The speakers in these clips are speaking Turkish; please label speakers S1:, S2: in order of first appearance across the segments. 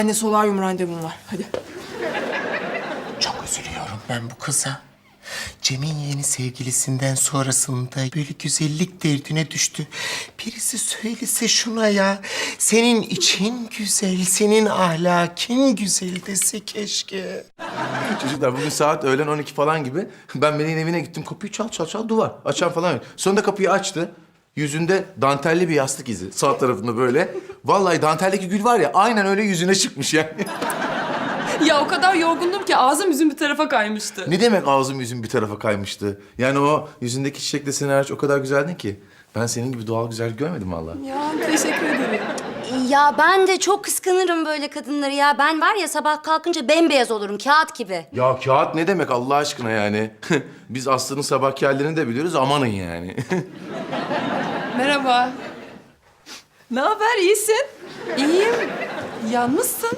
S1: Anne solaryum randevum var. Hadi.
S2: Çok üzülüyorum ben bu kıza. Cem'in yeni sevgilisinden sonrasında böyle güzellik derdine düştü. Birisi söylese şuna ya. Senin için güzel, senin ahlakin güzel dese keşke.
S3: Çocuklar bugün saat öğlen 12 falan gibi ben Melih'in evine gittim. Kapıyı çal çal çal duvar. Açan falan yok. Sonunda kapıyı açtı. Yüzünde dantelli bir yastık izi. Sağ tarafında böyle. Vallahi danteldeki gül var ya aynen öyle yüzüne çıkmış yani.
S1: Ya o kadar yorgundum ki ağzım yüzüm bir tarafa kaymıştı.
S3: Ne demek ağzım yüzüm bir tarafa kaymıştı? Yani o yüzündeki çiçek deseni hariç o kadar güzeldin ki. Ben senin gibi doğal güzellik görmedim vallahi.
S1: Ya teşekkür ederim.
S4: Ya ben de çok kıskanırım böyle kadınları ya. Ben var ya sabah kalkınca bembeyaz olurum, kağıt gibi.
S3: Ya kağıt ne demek Allah aşkına yani? Biz Aslı'nın sabahki hallerini de biliyoruz amanın yani.
S1: Merhaba. Ne haber? İyisin? İyiyim. Yalnızsın.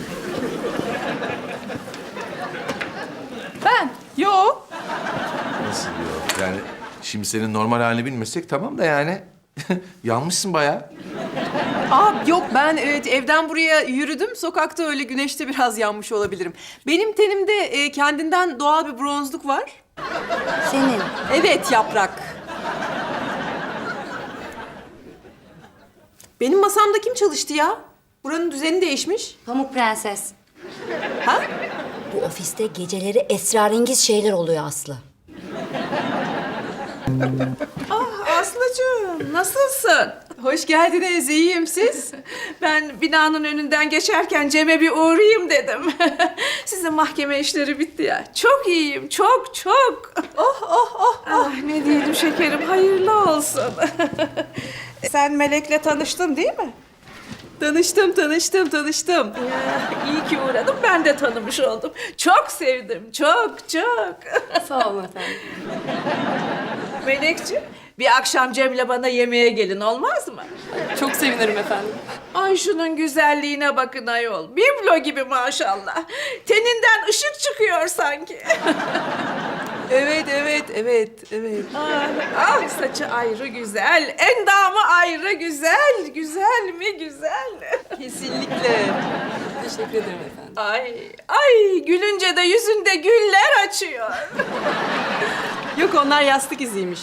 S1: Ben? Yok.
S3: Nasıl diyor? Yani şimdi senin normal halini bilmesek tamam da yani yanmışsın bayağı.
S1: Yok ben evden buraya yürüdüm. Sokakta öyle güneşte biraz yanmış olabilirim. Benim tenimde kendinden doğal bir bronzluk var.
S4: Senin.
S1: Evet Yaprak. Benim masamda kim çalıştı ya? Buranın düzeni değişmiş.
S4: Pamuk Prenses.
S1: Ha?
S4: Bu ofiste geceleri esrarengiz şeyler oluyor Aslı.
S5: Aslıcığım, nasılsın?
S1: Hoş geldiniz. İyiyim siz?
S5: Ben binanın önünden geçerken Cem'e bir uğrayayım dedim. Sizin mahkeme işleri bitti ya. Çok iyiyim, çok çok. Ah, ne diyelim şekerim, hayırlı olsun. Sen Melek'le tanıştın değil mi?
S1: Tanıştım.
S5: İyi ki uğradım, ben de tanımış oldum. Çok sevdim, çok.
S1: Sağ olun efendim.
S5: Melekciğim, bir akşam Cem'le bana yemeğe gelin, olmaz mı?
S1: Çok sevinirim efendim.
S5: Ay şunun güzelliğine bakın ayol. Biblo gibi maşallah. Teninden ışık çıkıyor sanki.
S1: Evet.
S5: Ah saçı ayrı güzel, endamı ayrı güzel. Güzel mi güzel?
S1: Kesinlikle. Teşekkür ederim efendim.
S5: Ay gülünce de yüzünde güller açıyor.
S1: Yok onlar yastık iziymiş.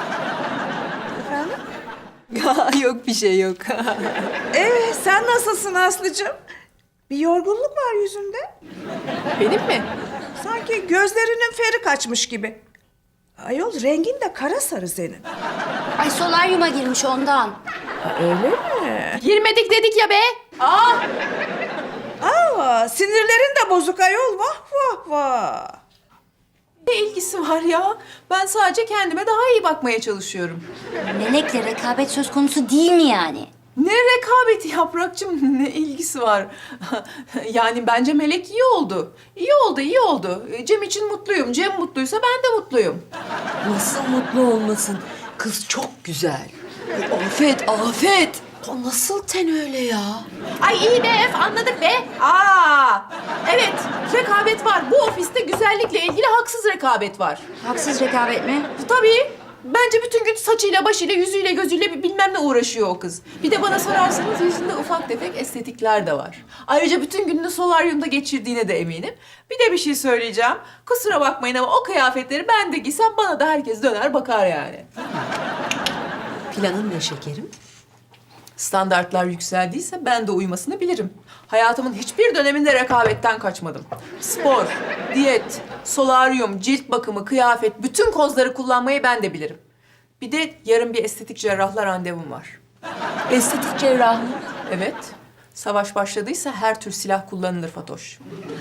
S1: Efendim? Yok bir şey yok.
S5: Sen nasılsın Aslıcığım? Bir yorgunluk var yüzünde.
S1: Benim mi?
S5: Sanki gözlerinin feri kaçmış gibi. Ayol rengin de kara sarı senin.
S4: Ay solaryuma girmiş ondan.
S5: Öyle mi?
S1: Girmedik dedik ya be.
S5: Sinirlerin de bozuk ayol. Vah.
S1: Ne ilgisi var ya? Ben sadece kendime daha iyi bakmaya çalışıyorum.
S4: Melek'le rekabet söz konusu değil mi yani?
S1: Ne rekabeti Yaprakçığım, ne ilgisi var? Yani bence Melek iyi oldu. İyi oldu. Cem için mutluyum. Cem mutluysa ben de mutluyum.
S6: Nasıl mutlu olmasın? Kız çok güzel. Afet. O nasıl ten öyle ya?
S1: Ay iyi be anladık be. Evet rekabet var. Bu ofiste güzellikle ilgili haksız rekabet var.
S4: Haksız rekabet mi?
S1: Tabii. Bence bütün gün saçıyla, başıyla, yüzüyle, gözüyle bilmem ne uğraşıyor o kız. Bir de bana sorarsanız yüzünde ufak tefek estetikler de var. Ayrıca bütün gününü solaryumda geçirdiğine de eminim. Bir de bir şey söyleyeceğim. Kusura bakmayın ama o kıyafetleri ben de giysem bana da herkes döner bakar yani.
S6: Planın ne şekerim?
S1: Standartlar yükseldiyse ben de uymasını bilirim. Hayatımın hiçbir döneminde rekabetten kaçmadım. Spor, diyet, solaryum, cilt bakımı, kıyafet, bütün kozları kullanmayı ben de bilirim. Bir de yarın bir estetik cerrahla randevum var.
S6: Estetik cerrah mı?
S1: Evet, savaş başladıysa her tür silah kullanılır Fatoş.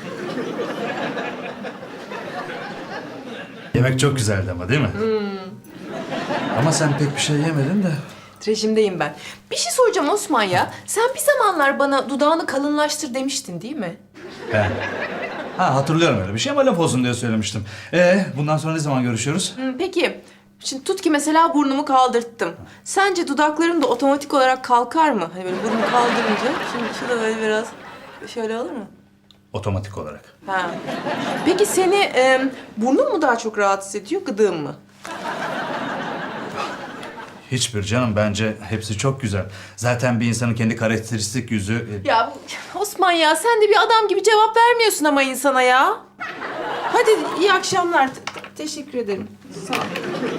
S7: Yemek çok güzeldi ama değil mi? Ama sen pek bir şey yemedin de.
S1: Rejimdeyim ben. Bir şey soracağım Osman ya. Sen bir zamanlar bana dudağını kalınlaştır demiştin değil mi?
S7: Ben. Hatırlıyorum öyle bir şey ama laf olsun diye söylemiştim. Bundan sonra ne zaman görüşüyoruz?
S1: Peki, şimdi tut ki mesela burnumu kaldırttım. Sence dudaklarım da otomatik olarak kalkar mı? Hani böyle burnumu kaldırınca, şimdi şu da böyle biraz şöyle olur mu?
S7: Otomatik olarak.
S1: Ha. Peki seni burnun mu daha çok rahatsız ediyor, gıdığın mı?
S7: Hiçbir canım, bence hepsi çok güzel. Zaten bir insanın kendi karakteristik yüzü...
S1: Ya Osman ya sen de bir adam gibi cevap vermiyorsun ama insana ya. Hadi iyi akşamlar. Teşekkür ederim. Sağ ol.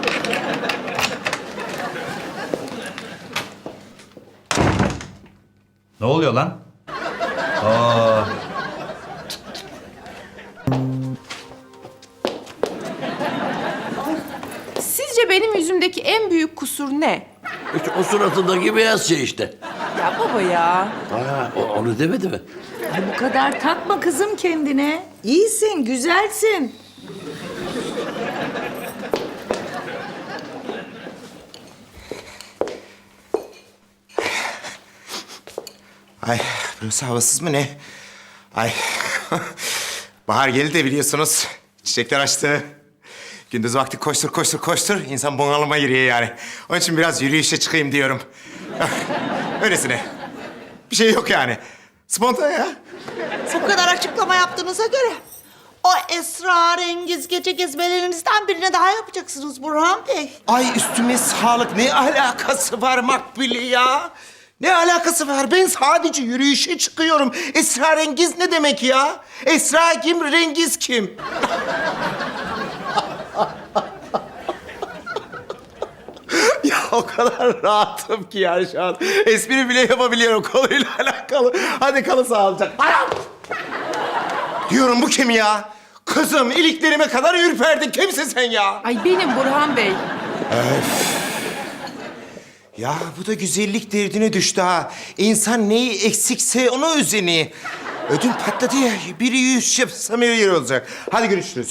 S7: Ne oluyor lan? Aa,
S1: Sizce benim yüzümdeki en büyük kusur ne?
S8: İşte o suratındaki beyaz şey işte.
S1: Ya baba ya.
S8: Onu demedi mi?
S9: Bu kadar takma kızım kendine. İyisin, güzelsin.
S2: Ay burası havasız mı ne? Ay bahar geldi de biliyorsunuz. Çiçekler açtı. Gündüz vakti koştur koştur koştur. İnsan bunalıma giriyor yani. Onun için biraz yürüyüşe çıkayım diyorum. Öylesine. Bir şey yok yani. Spontane ya.
S10: Bu kadar açıklama yaptığınıza göre o esrarengiz gece gezmelerinizden birine daha yapacaksınız Burhan Bey.
S2: Ay üstüme sağlık. Ne alakası var Makbule ya? Ne alakası var? Ben sadece yürüyüşe çıkıyorum. Esrarengiz ne demek ya? Esra kim, rengiz kim? Ya o kadar rahatım ki yani şu an. Espri bile yapabiliyorum konuyla alakalı. Hadi kalın sağlıcakla. Anam! Diyorum bu kim ya? Kızım iliklerime kadar ürperdin. Kimsin sen ya?
S1: Ay benim Burhan Bey.
S2: Ya bu da güzellik derdine düştü ha. İnsan neyi eksikse ona özeni. Ödüm patladı ya. Biri 100 yapsam her yer olacak. Hadi görüşürüz.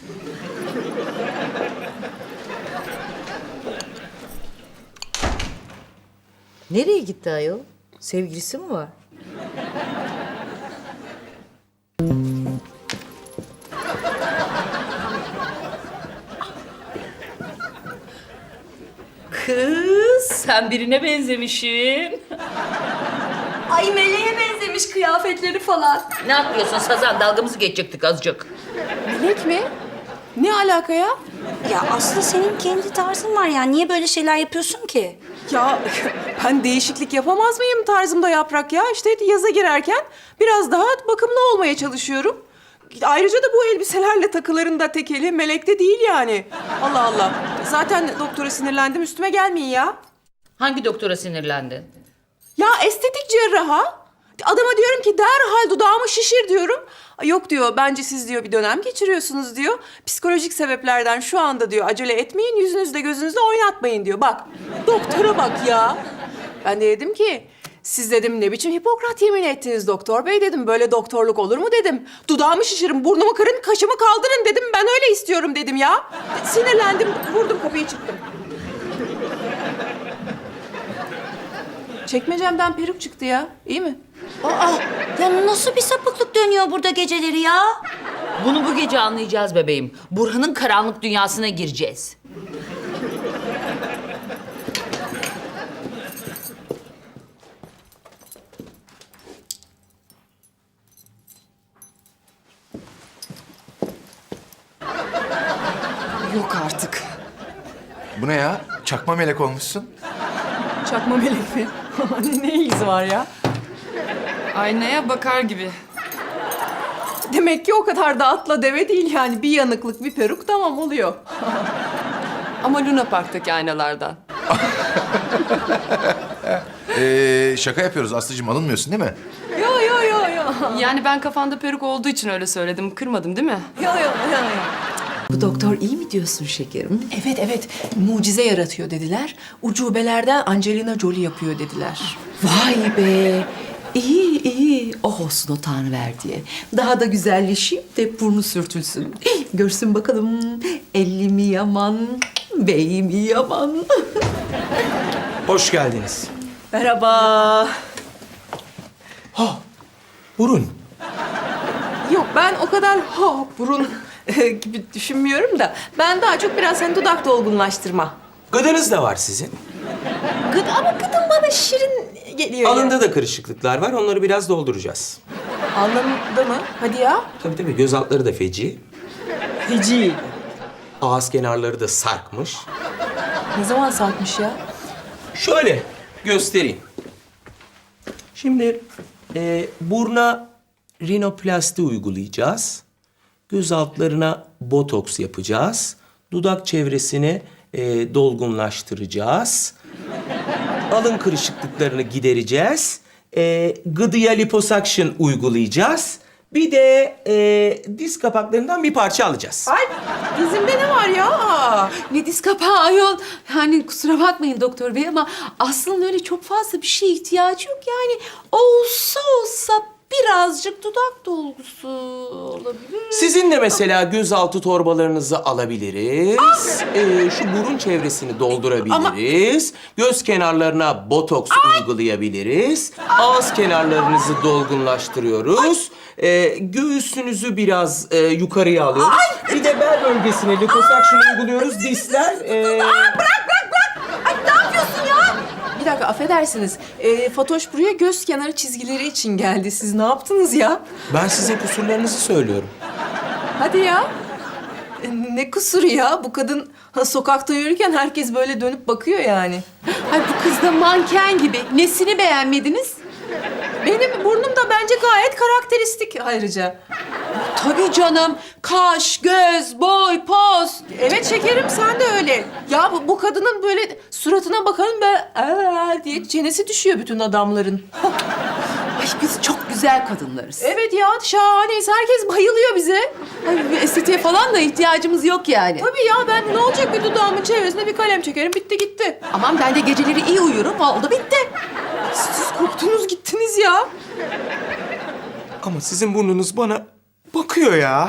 S9: Nereye gitti ayol? Sevgilisi mi var?
S6: Kız sen birine benzemişsin.
S4: Ay meleğe benzemiş kıyafetleri falan.
S6: Ne yapıyorsun Sazan? Dalgamızı geçecektik azıcık.
S1: Melek mi? Ne alaka ya?
S4: Ya Aslı senin kendi tarzın var ya. Niye böyle şeyler yapıyorsun ki?
S1: Ya ben değişiklik yapamaz mıyım tarzımda Yaprak ya? İşte yaza girerken biraz daha bakımlı olmaya çalışıyorum. Ayrıca da bu elbiselerle takıların da tekeli Melek'te değil yani. Allah Allah. Zaten doktora sinirlendim üstüme gelmeyin ya.
S6: Hangi doktora sinirlendin?
S1: Ya estetik cerraha. Adama diyorum ki derhal dudağımı şişir diyorum. Yok diyor bence siz diyor bir dönem geçiriyorsunuz diyor. Psikolojik sebeplerden şu anda diyor acele etmeyin yüzünüzde gözünüzde oynatmayın diyor. Bak doktora bak ya. Ben de dedim ki siz dedim ne biçim Hipokrat yemin ettiniz doktor bey dedim. Böyle doktorluk olur mu dedim. Dudağımı şişirin, burnumu kırın, kaşımı kaldırın dedim. Ben öyle istiyorum dedim ya. Sinirlendim, vurdum kapıyı çıktım. Çekmecemden peruk çıktı ya. İyi mi?
S4: Aa, ya nasıl bir sapıklık dönüyor burada geceleri ya?
S6: Bunu bu gece anlayacağız bebeğim. Burhan'ın karanlık dünyasına gireceğiz.
S1: Yok artık.
S3: Bu ne ya? Çakma melek olmuşsun.
S1: Çakma melek mi? Ne ilgisi var ya?
S11: Aynaya bakar gibi.
S1: Demek ki o kadar da atla deve değil yani. Bir yanıklık, bir peruk tamam oluyor.
S11: Ama Luna Park'taki aynalardan.
S3: Şaka yapıyoruz Aslı'cığım, alınmıyorsun değil mi?
S1: Yo yo yo yo.
S11: Yani ben kafanda peruk olduğu için öyle söyledim. Kırmadım değil mi?
S1: Yo yo yo.
S6: Bu doktor iyi mi diyorsun şekerim?
S1: Evet evet mucize yaratıyor dediler. Ucubelerden Angelina Jolie yapıyor dediler.
S6: Vay be. İyi iyi. Oh olsun o Tanrıverdiye. Daha da güzelleşeyim de burnu sürtülsün. Görsün bakalım elli mi yaman, bey mi yaman.
S8: Hoş geldiniz.
S1: Merhaba.
S8: Burun.
S1: Yok ben o kadar burun gibi düşünmüyorum da ben daha çok biraz hani dudak dolgunlaştırma.
S8: Gıdanız da var sizin.
S1: Ama gıdım bana şirin geliyor.
S8: Alında da kırışıklıklar var. Onları biraz dolduracağız.
S1: Anlamda mı? Hadi ya.
S8: Tabii göz altları da feci.
S1: Feci.
S8: Ağız kenarları da sarkmış.
S1: Ne zaman sarkmış ya?
S8: Şöyle göstereyim. Şimdi buruna rinoplasti uygulayacağız. Göz altlarına botoks yapacağız. Dudak çevresini dolgunlaştıracağız. Alın kırışıklıklarını gidereceğiz. Gıdıya liposuction uygulayacağız. Bir de diz kapaklarından bir parça alacağız.
S6: Ay dizimde ne var ya? Ne diz kapağı ayol. Yani kusura bakmayın doktor bey ama aslında öyle çok fazla bir şeye ihtiyacı yok. Yani olsa birazcık dudak dolgusu olabilir.
S8: Sizin de mesela gözaltı torbalarınızı alabiliriz. Şu burun çevresini doldurabiliriz. Göz kenarlarına botoks uygulayabiliriz. Ağız kenarlarınızı dolgunlaştırıyoruz. Göğsünüzü biraz yukarıya alıyoruz. Bir de bel bölgesine liposuction uyguluyoruz. Dişler...
S1: Bir dakika affedersiniz. Fatoş buraya göz kenarı çizgileri için geldi. Siz ne yaptınız ya?
S8: Ben sizin kusurlarınızı söylüyorum.
S1: Hadi ya. Ne kusuru ya? Bu kadın sokakta yürürken herkes böyle dönüp bakıyor yani. Ay bu kız da manken gibi. Nesini beğenmediniz? Benim burnum da bence gayet karakteristik ayrıca.
S6: Tabii canım. Kaş, göz, boy, poz.
S1: Evet şekerim sen de öyle. Ya bu kadının böyle suratına bakalım böyle diye çenesi düşüyor bütün adamların.
S6: Ay biz çok güzel kadınlarız.
S1: Evet ya şahaneyiz. Herkes bayılıyor bize.
S6: Ay, bir estetiğe falan da ihtiyacımız yok yani.
S1: Tabii ya ben ne olacak bir dudağımın çevresine bir kalem çekerim bitti gitti.
S6: Aman ben de geceleri iyi uyurum. Oldu bitti.
S1: Siz koptunuz gittiniz ya.
S8: Ama sizin burnunuz bana bakıyor ya.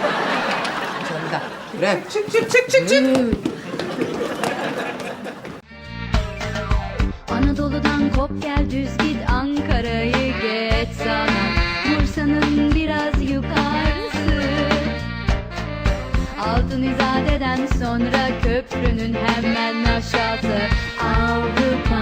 S12: Anadolu'dan kop gel düz git Ankara'yı geç sana Bursa'nın biraz yukarısı Altın İzade'den sonra köprünün hemen aşağısı Avrupa